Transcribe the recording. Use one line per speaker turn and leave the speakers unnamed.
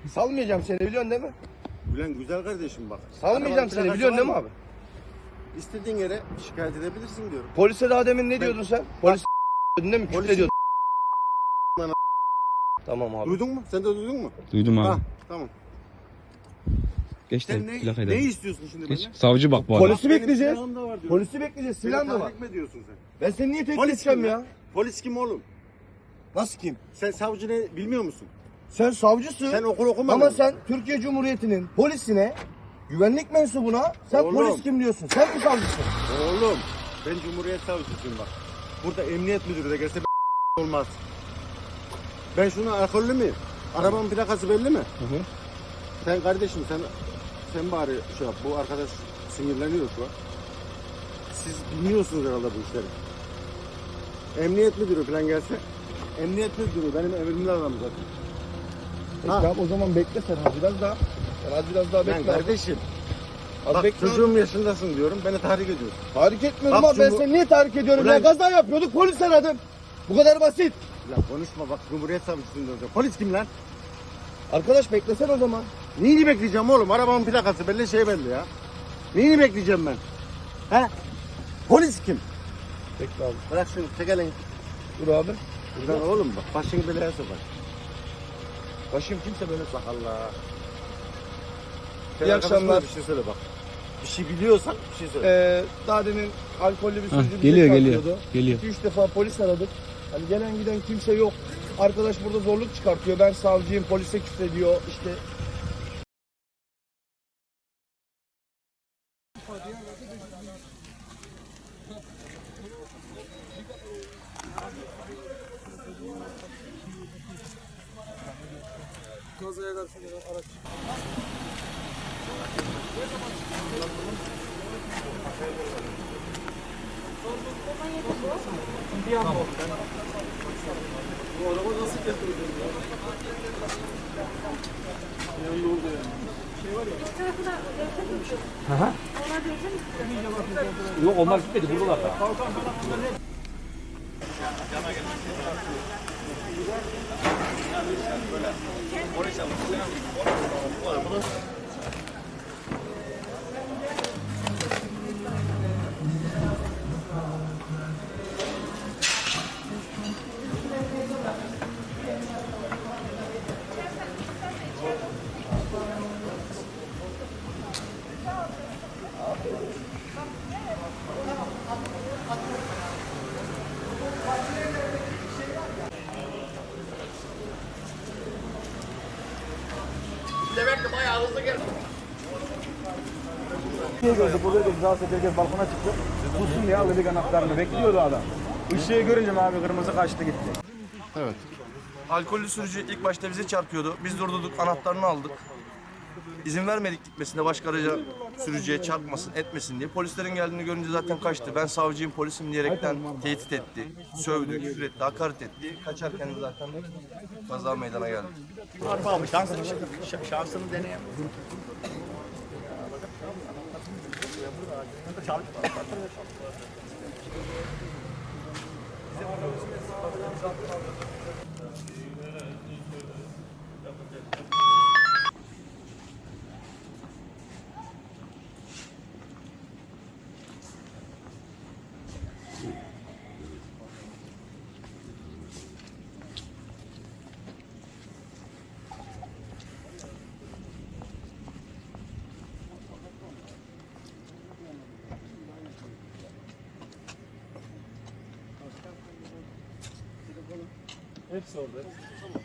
Salmayacağım seni, biliyorsun değil mi?
Ulan güzel kardeşim bak.
Salmayacağım seni, biliyorsun değil mi abi?
İstediğin yere şikayet edebilirsin diyorum.
Polise daha demin ne diyordun sen? Polis değil mi? Küfür ediyordun. Tamam abi.
Duydun mu? Sen de duydun mu?
Duydum abi.
Ha, tamam.
Geç
Sen
de plakayı da.
ne istiyorsun şimdi
Geç.
benden?
Savcı bak bu arada.
Polisi bekleyeceğiz.
Silahım da var diyorum.
Polisi bekleyeceğiz. Silah da var.
Tahrik mi ediyorsun sen?
Ben seni niye tehdit
Polis
edeceğim
kim
ya?
Polis kim oğlum?
Nasıl kim?
Sen savcı ne bilmiyor musun?
Sen savcısın.
Sen okul okumadın
Ama
mı?
sen Türkiye Cumhuriyeti'nin polisine, güvenlik mensubuna sen
Oğlum.
polis kim diyorsun? Sen mi savcısın?
Oğlum ben Cumhuriyet Savcısıyım bak. Burada emniyet müdürü de gelse olmaz. Ben şuna alkollü müyüm? Arabanın plakası belli mi?
Hı.
Sen kardeşim sen bari şey yap. Bu arkadaş sinirleniyor şu an. Siz bilmiyorsunuz herhalde bu işleri. Emniyet müdürü falan gelse. Emniyet müdürü benim emrimle adam zaten. Ha.
Tamam, o zaman bekle sen az biraz daha. Sen az biraz daha
Ben
bekle.
kardeşim.
Az
Bak
bekle.
çocuğum yaşındasın diyorum. Beni tahrik ediyorsun.
Tahrik etmiyorum
Bak
ama ben
Cumhur-
seni niye tahrik ediyorum
Ulan-
ya? Kaza yapıyorduk, polis aradım. Bu kadar basit.
Ya konuşma bak Cumhuriyet Savcısıyım diyorum. Polis kim lan?
Arkadaş beklesen o zaman.
Neyini bekleyeceğim oğlum? Arabamın plakası belli şey belli ya. Neyini bekleyeceğim ben? He? Polis kim?
Bekle abi.
Bırak şunu çek elini.
Dur abi.
Buradan oğlum bak başını belaya sokar.
Başım kimse böyle
Bak Allah.
İyi akşamlar.
Bir şey söyle bak. Bir şey biliyorsan bir şey söyle.
Daha demin alkollü bir
Hah,
sürücü bize
geliyor
çarpıyordu.
geliyor.
2-3 defa polis aradık. Hani gelen giden kimse yok. Arkadaş burada zorluk çıkartıyor. Ben savcıyım, polise küfrediyor. İşte
Yok onlar gitmedi buradalar da. Burada da rahatsız herkes balkona çıktı. Tutsun diye aldık anahtarını. Bekliyordu adam. Işığı görünce abi kırmızı kaçtı gitti.
Evet.
alkollü sürücü ilk başta bize çarpıyordu. Biz durdurduk, anahtarını aldık. İzin vermedik gitmesine, başka araca sürücüye çarpmasın, etmesin diye. Polislerin geldiğini görünce zaten kaçtı. Ben savcıyım, polisim diyerekten tehdit etti, sövdü, küfür etti, hakaret etti. Kaçarken de zaten kaza meydana geldi.
Abi şansını deneyem.
Hepsi orada.